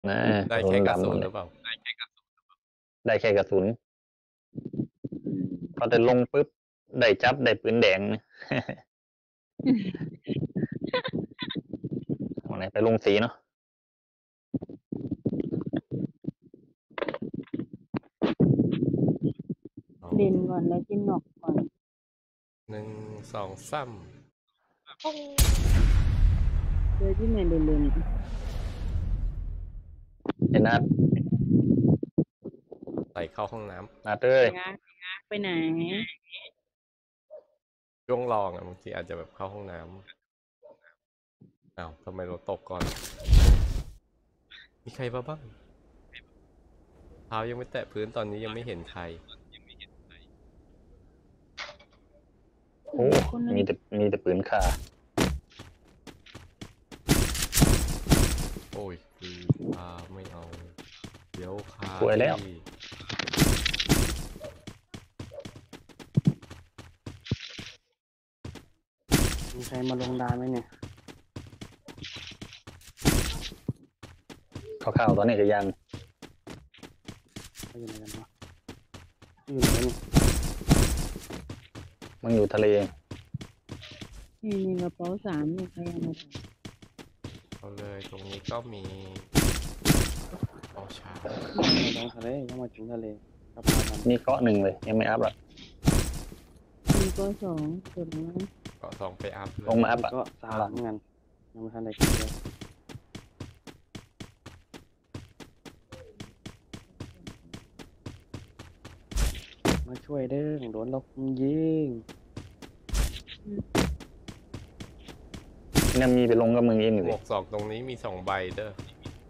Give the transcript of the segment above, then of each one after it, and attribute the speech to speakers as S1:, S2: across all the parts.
S1: นะ
S2: ได้แค่กระสุนหรือเปล่า
S1: ได้แค่กระสุนพอจะลงปุ๊บได้จับได้ปืนแดงวันไหนไปลงสีเนาะ
S3: เด่นก่อนแล้วกินหนอกก่อน
S2: 1 2 3
S3: โดยที่ไม่ได้เล่น
S1: ไอ้นัด
S2: ใส่เข้าห้องน้ำ
S1: นัดเอ้ย
S3: ไปไหน
S2: ช่วงลองบางทีอาจจะแบบเข้าห้องน้ำอ้าวทำไมเราตกก่อน มีใครบ้างเท้ายังไม่แตะพื้นตอนนี้ยังไม่เห็นใคร
S1: โอ้มีแต่ปืนขา
S2: โอ้ยคือไม่เอาเดี๋ยว
S1: สวยแล้ว
S4: มีใครมาลงดานไหมเนี่ย
S1: ข่าวๆตอนนี้ก็ยัง
S4: เขาอยู่ไหนกันวะอยู่ไหนกันเนี่ย
S1: มันอยู่ทะเล
S3: นี่กระเป๋า3นี่ใครเอามา
S2: เอาเลยตรงนี้ก็มีชา
S4: ลงทะเลยังมาถึงทะเลครับ
S1: นี่เกาะหนึ่งเลยยังไม่อัพอ่ะ
S3: มีก็2ส่วนนั้น
S2: เกาะ2ไปอัพเลย
S1: ลงมาอัพอ่ะ
S4: ก็3เหมือนกันยังไม่ทันได้กินเลยมาช่วยเด้อโดนเราคุมยิง
S1: เนี่ยมีไปลงกับมึงเองอยู่
S2: หม
S1: เล
S2: วย ก2ตรงนี้มี2ใบเด้อ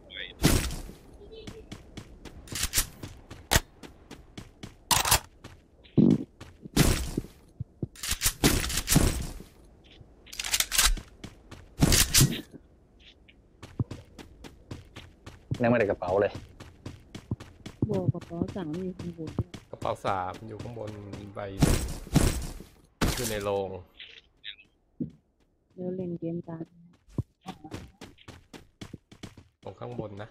S1: ยังไม่ได้กระเป๋าเลย
S3: บอกกระเป๋า3อยู่ข้างบน
S2: กระเป๋า3อยู่ข้างบนใบหนึ่งอยู่ในโรง
S3: แล้วเล่นเกมตาม
S2: ตรงข้างบนนะ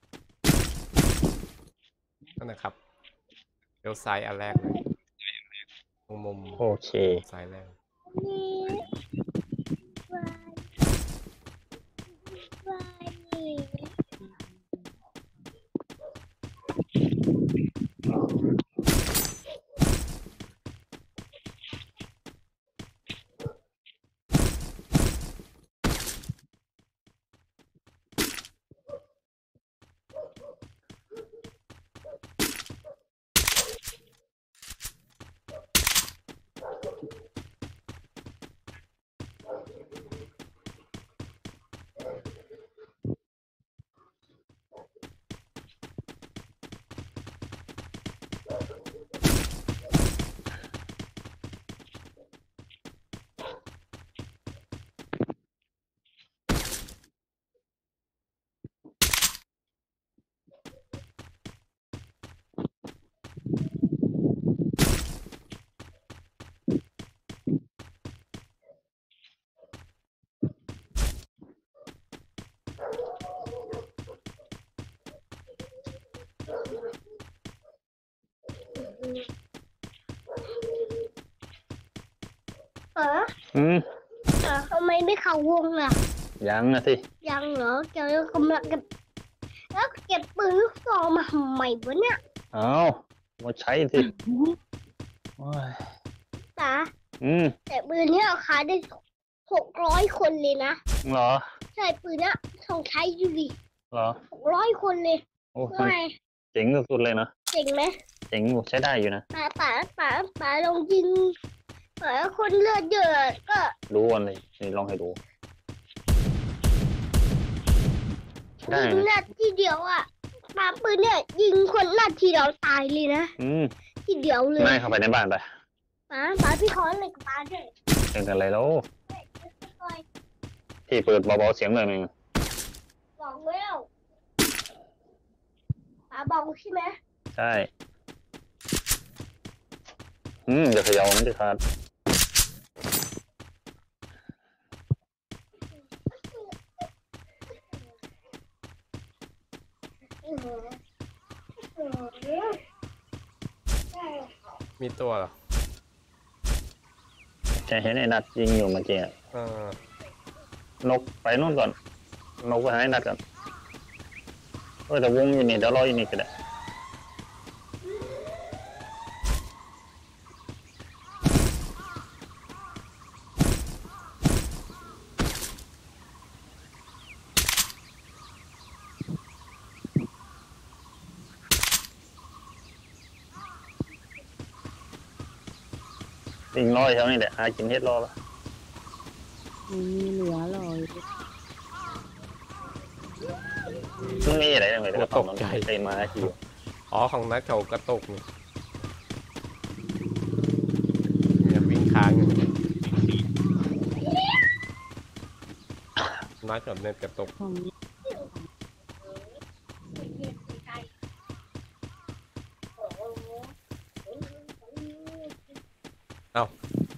S2: นั่นนะครับเลี้ยวซ้ายอันแรกเลยตรงมุม
S1: โอเค
S2: ซ้ายแรก
S5: ทำไมไม่เข้าวงล่ะ
S1: ยังนะสิ
S5: ยังเหรอเจ้ากำลังเก็บแล้วเก็บปืนลูกซองมาทำไมวะเนี่ย
S1: เอามาใช้สิ
S5: ตาแต่ปืนนี้เราขายได้600 คนเลยนะ
S1: เหรอ
S5: ใช่ปืนนี้ต้องใช้อยู่ดิ
S1: เหรอ
S5: 600 คนเลย
S1: โอ้เจ๋งสุดๆเลยนะ
S5: เจ๋งไหม
S1: เจ๋งใช้ได้อยู่นะ
S5: ป๋าลองยิงคนเลือดเยอะก็
S1: ดูวันเลยนี่ลองให้ดู
S5: ยิงนัดทีเดียวอ่ะป๋าปืนเนี่ยยิงคนนัดทีเดียวตายเลยนะทีเดียวเลย
S1: ไม่เข้าไปในบ้านไป
S5: ป๋าพี่ขออะไรกับป๋าด้วย
S1: เป็นอะไรแล้วที่เปิดเบาๆเสียงเลยมึง
S5: บอกแล้วป๋าบอกใช่ไหม
S1: ใช่เดี๋ยวเขย่ามันจะขาด
S2: มีตัวเหรอ
S1: จะเห็นไอ้นัดยิงอยู่เมื่อกี้อะ
S2: เออน
S1: กไปนู่นก่อน นกไปหาไอ้นัดก่อนแต่วงอยู่นี่เดี๋ยวรออยู่นี่ก็ได้ ลิงรออยู่แถวนี้แหละหากินเฮ็ดรอละ
S3: มีเหลือลอย
S1: มันมีอะไรอย่างเงี้ยกระป๋องมันเต็มมาอยู่
S2: อ๋อของนัดเขากระตุกนี่เนี่ยวิ่งค้างอยู่นัดกับเน็ตกระตุก
S3: ของ
S2: เอ้า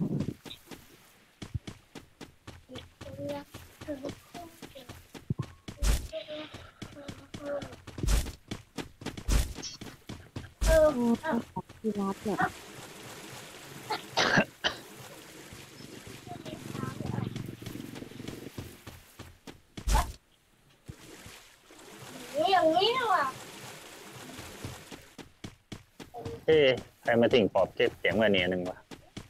S3: โอ้ของที่รัดเนี่ย
S5: อย่างนี้ว่ะ
S1: เอ๊ะใครมาทิ้งปอบเก็บเสียงมาเนี่ยหนึ่งวะ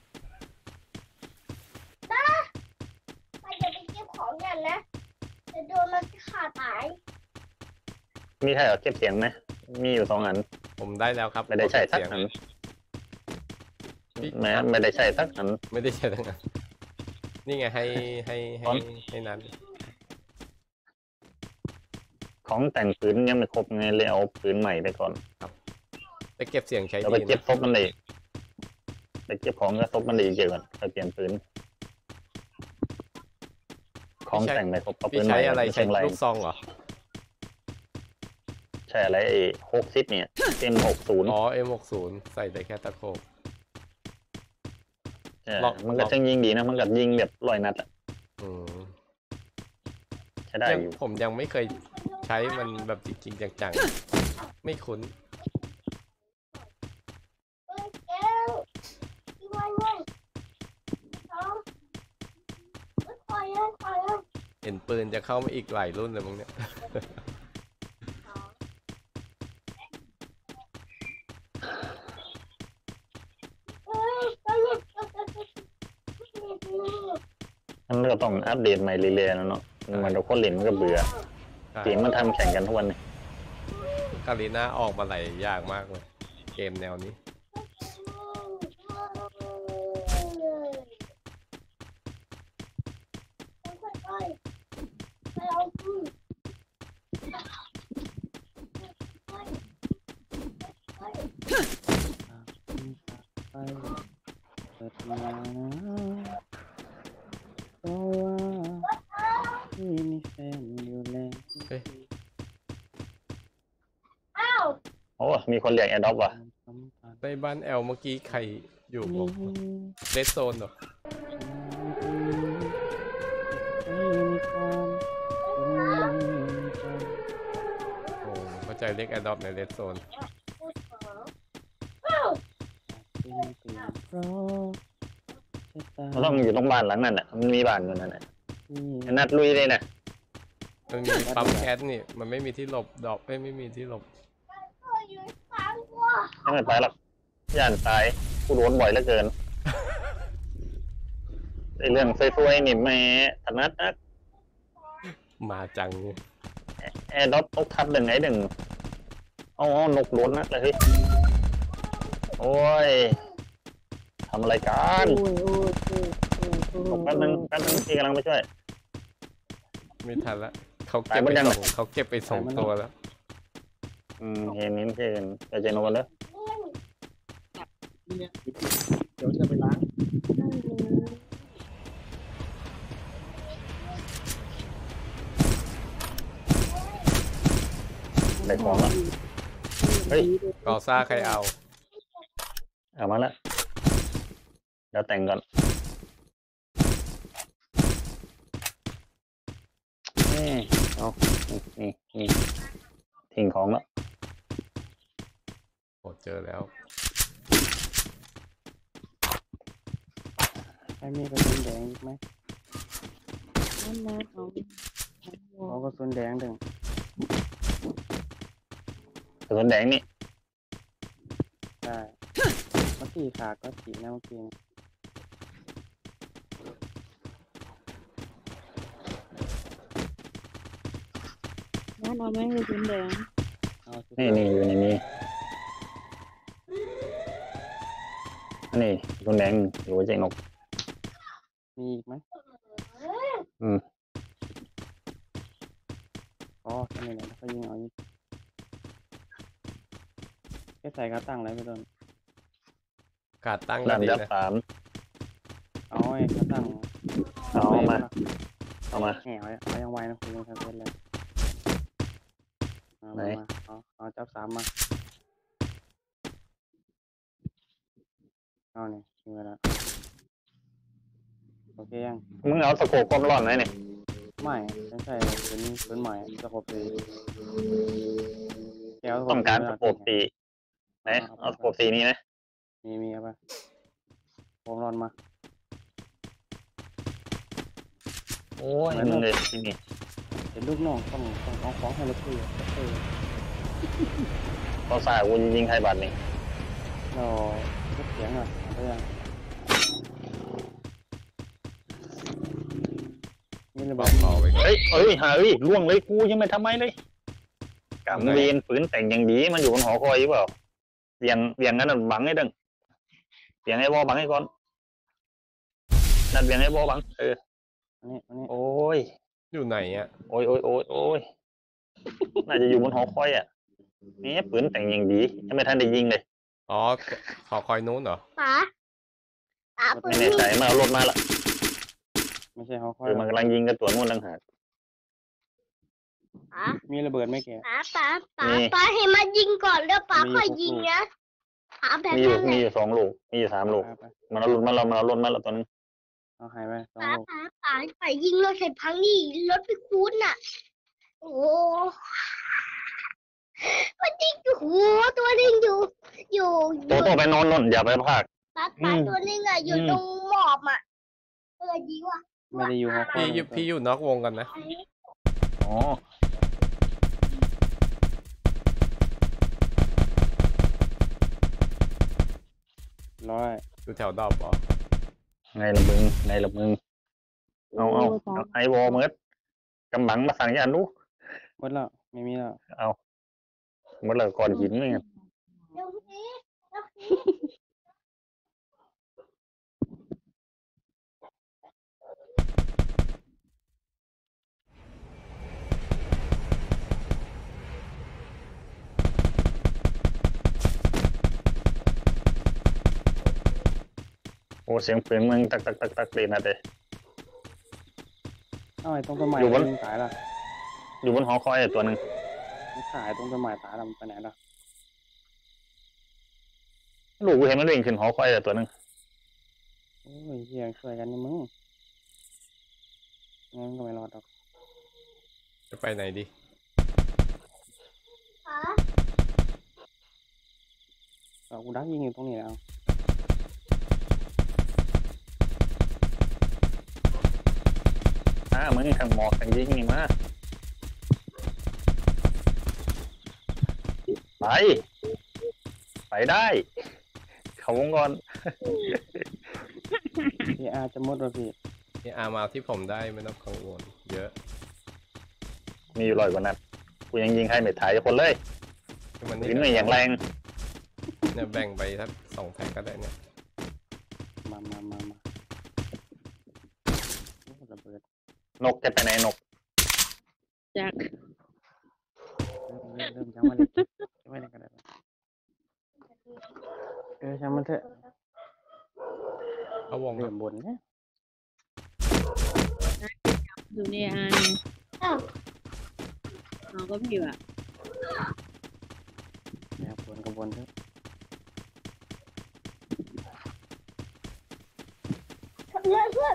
S5: ไปจะไปเก็บของกันนะจะโดนมันขาดตาย
S1: มีใครเอาเก็บเสียงไหมมีอยู่2 อัน
S2: ผมได้แล้วครับ
S1: ไม่ได้ใช้สัก
S2: เสียง
S1: อันแม้ไม่ได้ใช้สักอัน
S2: ไม่ได้ใช้ทั้งนั้นนี่ไงให้นัด
S1: ของแต่งปืนยังไม่ครบไงเลยเอาปืนใหม่ไปก่อน
S2: ไปเก็บเสียงใช้
S1: แล้ว
S2: ดี
S1: ไปเก็บ
S2: นะ
S1: ซบมันเลยไปเก็บของก็ซบมันเลยเกี่ยวกันไปเปลี่ยนปืนของแต่งไม่ครบเอาปื
S2: พี่
S1: นให
S2: ใช้
S1: ม่
S2: อะไร
S1: ม่
S2: ใช้
S1: ไร
S2: ลูกซองเหรอ
S1: ใช่อะไร60เนี่ยM60
S2: อ๋อ M60 ใส่ได้แค่ตะโขบ
S1: ใช่
S2: ล็อก
S1: มันก็ช่างยิงดีนะมันก็ยิงแบบ100 นัดอะ
S2: อืม
S1: ใช้ได้อยู่
S2: ผมยังไม่เคยใช้มันแบบจริงๆจังๆไม่คุ้น
S5: เอ้ยแก้วที่วันนั้นสองคอยเลย
S2: เห็นปืนจะเข้ามาอีกหลายรุ่นเลยมึงเนี่ย
S5: เอ้ยก็หลุด
S1: มันก็ต้องอัปเดตใหม่เรื่อยๆนะเนาะมันเราคนเล่นมันก็เบื่อเกมมันทำแข่งกันทุกวันนี่
S2: กาลีน่าออกมาหลายอย่างมากเลย เกมแนวนี้
S4: ไปเปิดมานะเพราะว่าพี่มีแฟนอยู่แล้ว
S2: เฮ้ย
S5: อ้าว
S1: โอ้มีคนเรียกแอดดอปว่ะ
S4: สัมผัส
S2: ในบ้านแอลเมื่อกี้ใครอยู่
S4: นี้
S2: เรดโซนเหรอ
S4: ไม่มีความทรงจำ
S2: โอ้เข้าใจเรียกแอดดอปในเรดโซน
S5: อ้าว
S4: เป็นเปลี่ยนเพราะชะตา
S1: มันต้องอยู่ตรงบ้านหลังนั้นแหละมันมีบ้านอยู่นั่นแหละ
S4: ที่
S1: ไอ้นัดลุยเลยนะ
S2: มันมีปั๊มแก๊สนี่ มันไม่มีที่หลบดอกไม่มีที่หลบ
S5: ก็อยู่ฟังว่า
S1: ยังไม่ไปหรอกย่านตายกูโดนบ่อยเหลือเกินไอ้เรื่องซวยๆนี่แม่ถนัดนัก
S2: มาจังนี่
S1: แอร์ดอปตกทับหนึ่งไอ้หนึ่งเอานกโดนนักเลยเฮ้ยโอ้ยทำอะไรกัน
S3: โอ้ยโอ้ยโอ้ยโอ้ยโอ้ย
S1: ตกแป๊บนึงพี่กำลังไปช่วย
S2: ไม่ทันละเขาเก็บไป
S1: ตายหมดยัง
S2: สองเขาเก็บไปสองตัวแล้ว
S1: เห็นนิ้นเช่นไปเจนกันเลย
S4: เดี๋ยวจะไปล้าง
S1: ได้ของแล้วเฮ้ย
S2: กอซ่าใครเอา
S1: เอามาแล้วเดี๋ยวแต่งก่อนเอานี่ทิ้งของแล้ว
S2: โอ้เจอแล้ว
S4: ใครมีกระสุนแดงอีกไหม
S3: นั่นนะเอา
S4: เอากระสุนแดงดึง
S1: กระสุนแดงนี่
S4: ได้เมื่อกี้ขาดก็สีนะเมื่อกี้
S3: นั่นเอาไหมกระสุนแดง
S4: เอาสิ
S1: นี่อยู่ในนี้อันนี้กระสุนแดงอยู่เจ๊นก
S4: มีอีกไหม
S1: อืม
S4: อ๋อแค่นี้แหละแล้วก็ยิงเอาอีกแค่ใส่กระตั้งอะไรไปโดน
S2: กาดตั้ง
S1: ดัน
S2: ดี
S1: ยับ
S2: นะ
S1: 3
S4: เอาไอ้กระตั้ง
S1: เอามาเอามา
S4: แหวเอายังไวนะคุณยังทำเป็นเลยเอา
S1: ไหน
S4: มาเอาจับสามมาเอาเนี่ยยิงไปแล้วโอเคยัง
S1: มึงเอาสโคปความร้อนไหมเนี่ย
S4: ไม่ใช่เป็นใหม่สกปรกแก้ว
S1: ต้องการสโคปสีไหนเอาสโคปสีนี้ไหม
S4: มีครับป่ะผมรอนมา
S1: โอ้ยมึงเลยที่นี่
S4: เป็นลูกน้องต้องเอาของให้เราคุย
S1: เขาสายกูยิงใครบัตรนี่
S4: เราลดเสียงหน่อยเอาไปยังนี่ระเบิด
S2: เบาๆไปก่อน
S1: เฮ้ยหาล่วงเลยกูยังไม่ทำไมเลยกำเวียนฝืนแต่งอย่างดีมันอยู่บนหอคอยหรือเปล่าเวียงนั้นนะบังให้ดึงเวียงให้บอบังให้ก่อนนั่นเวียงให้บอบัง
S4: อันนี้
S1: โอ้ย
S2: อยู่ไหนอ่ะ
S1: โอ้ยน่าจะอยู่บนหอคอยอ่ะนี่ฝืนแต่งอย่างดียังไม่ทันได้ยิงเลย
S2: อ๋อขอคอยนู้นเหรอ
S5: ป๋าปื
S1: ไม่
S5: น
S1: แน่ใจมาเอารถมาละ
S4: ไม่ใช่เขาค่อย
S1: มันกำลังยิงกับตัวนู่นต่างหาก
S5: ป๋า
S4: มีระเบิดไหมแก
S5: ป๋าให้มายิงก่อนแล้วป๋า
S4: มี
S5: ค่อย
S4: 6
S5: ยิงนะป๋าแบบ
S1: มีอยู่
S5: นั้นแห
S1: มี
S5: ละ
S1: อยู่2 ลูกมีอยู่3 ลูก
S4: ไป
S1: มันเอารถมาละตัวนึง
S4: เอาหายไป2
S5: ป๋า
S4: ลูก
S5: ป๋าไปยิงรถเสร็จพังนี่รถไปคูนน่ะ โอ้มันยิงอยู่หัวตัวนึงอยู่
S1: โตไปนอนนนอย่าไปพาก
S5: ป๋าตัวนึงอ่ะอยู่ตรงหมอบอ่ะยิงว่ะ
S4: ไม่ได้อยู่เขาค่อย
S2: พี่อยู่นอกวงกันนะ
S1: อ๋อ
S4: ร้อย
S2: อยู่แถวดอบเหรอ
S1: ไงละมึงเอาไอวอลเมิดกำบังมาสั่งยันลูก
S4: หมดแล้วไม่มีแล้ว
S1: เอาหมดเลยก่อนหินเลยไง
S5: เดี๋ยวนี้
S1: โอ้เสียงปืนมึงตักเลยนะเด้
S4: เอาไอ้ตรงต้นไม้
S1: อยู่บน
S4: มันตายละ
S1: อยู่บนหอคอยตัวหนึ่ง
S4: มันขายตรงต้นไม้ตายละมันไปไหนละ
S1: ลูกกูเห็นมันวิ่งขึ้นหอคอยตัวหนึ่ง
S4: โอ้ยเฮียช่วยกันนี่มึงงั้นก็ไม่รอดหรอก
S2: จะไปไหนดี
S5: ป๋า
S4: เอากูดักยิงอยู่ตรงนี้แล้ว
S1: มึงทางหมอกทางยิงนี่มาไปได้ เขาวงก่อน
S4: พี่อาจะหมดแล้วพี่
S2: นี่อามาที่ผมได้ไม่ต้องกังวลเยอะ
S1: มีอยู่100 กว่านัดกูยังยิงใครไม่ถ่ายคนเลย
S2: ที่มัน
S1: ยิงไม่อย่างแรง
S2: เนี่ยแบ่งไปสัก2 แพ็คก็ได้เนี่ย
S4: มาโอ้ระเบิด
S1: นกจะไปไหนนก
S3: จาก
S4: เริ่มจังมาเลยไม่ได้ก็ได้ช่างมันเถอะ
S2: เอาวงค
S4: เริ่
S2: รับ
S4: มบนเนี่ย
S3: อยู่ในอัน
S5: อ้าว
S3: เอาก็พี่ว่ะ
S4: นะครับบนกับบนเถอะ
S5: เพื่อนเพื่อน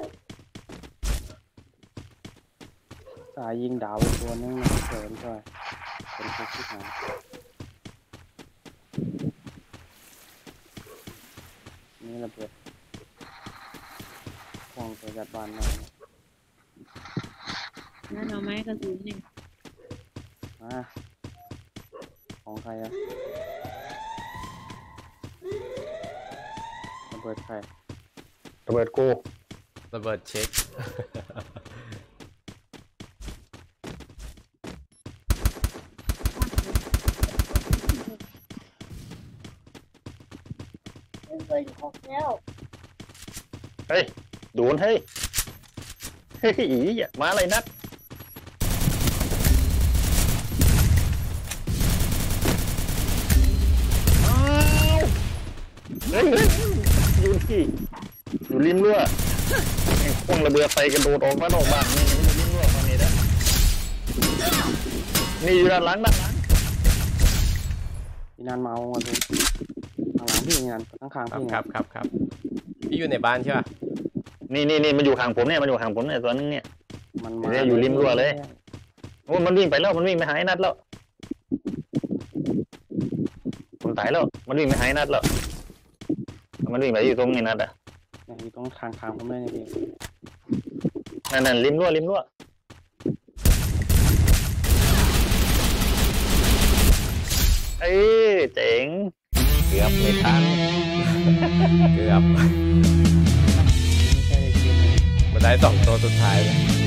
S4: สายยิงดาวไปตัวนึงนะเสริมช่วยเป็นพวกที่หาระเบิดควงตัวจัดบานมา
S3: นั่นเอาไม้กระสุนนี่
S4: ของใครอะระเบิดใคร
S1: ระเบิดกู
S2: ระเบิดเช็ค
S5: ไม่เคยออกแล้ว
S1: เฮ้ยโดนเฮ้ยเฮ้ยอีอย่ามาอะไรนัดอ้าวเฮ้ยอยู่ที่อยู่ริมรั้วไอ้พวกระเบิดไฟกระโดดออกมานอกบ้านนี่อยู่ริมรั้วฝั่งนี้นะนี่อยู่ด้านหลัง
S4: พี่นันมาเอามาดูข้างหลังพี่นันข้างๆพี่
S2: ครับพี่อยู่ในบ้านใช่ป่ะ
S1: นี่มันอยู่ห่างผมเนี่ยมันอยู่ห่างผมเนี่ยตัวนึงเนี่ย
S4: มัน
S1: เนี่ยอยู่ริมรั้วเลย โอ้มันวิ่งไปแล้วมันวิ่งไปหายนัดแล้วผมตายแล้วมันวิ่งไปหายนัดแล้วมันวิ่งไปอยู่ตรงนี้นัดอ่ะ
S4: อยู่ตรงทางผมเลยนี่พี่
S1: นั่นริมรั้วเอ้ยเจ๋งเกือบไม่ทัน
S2: เกือบ
S4: ไม่ใช่ในเกมเลย
S2: มาได้2 ตัวสุดท้ายเลย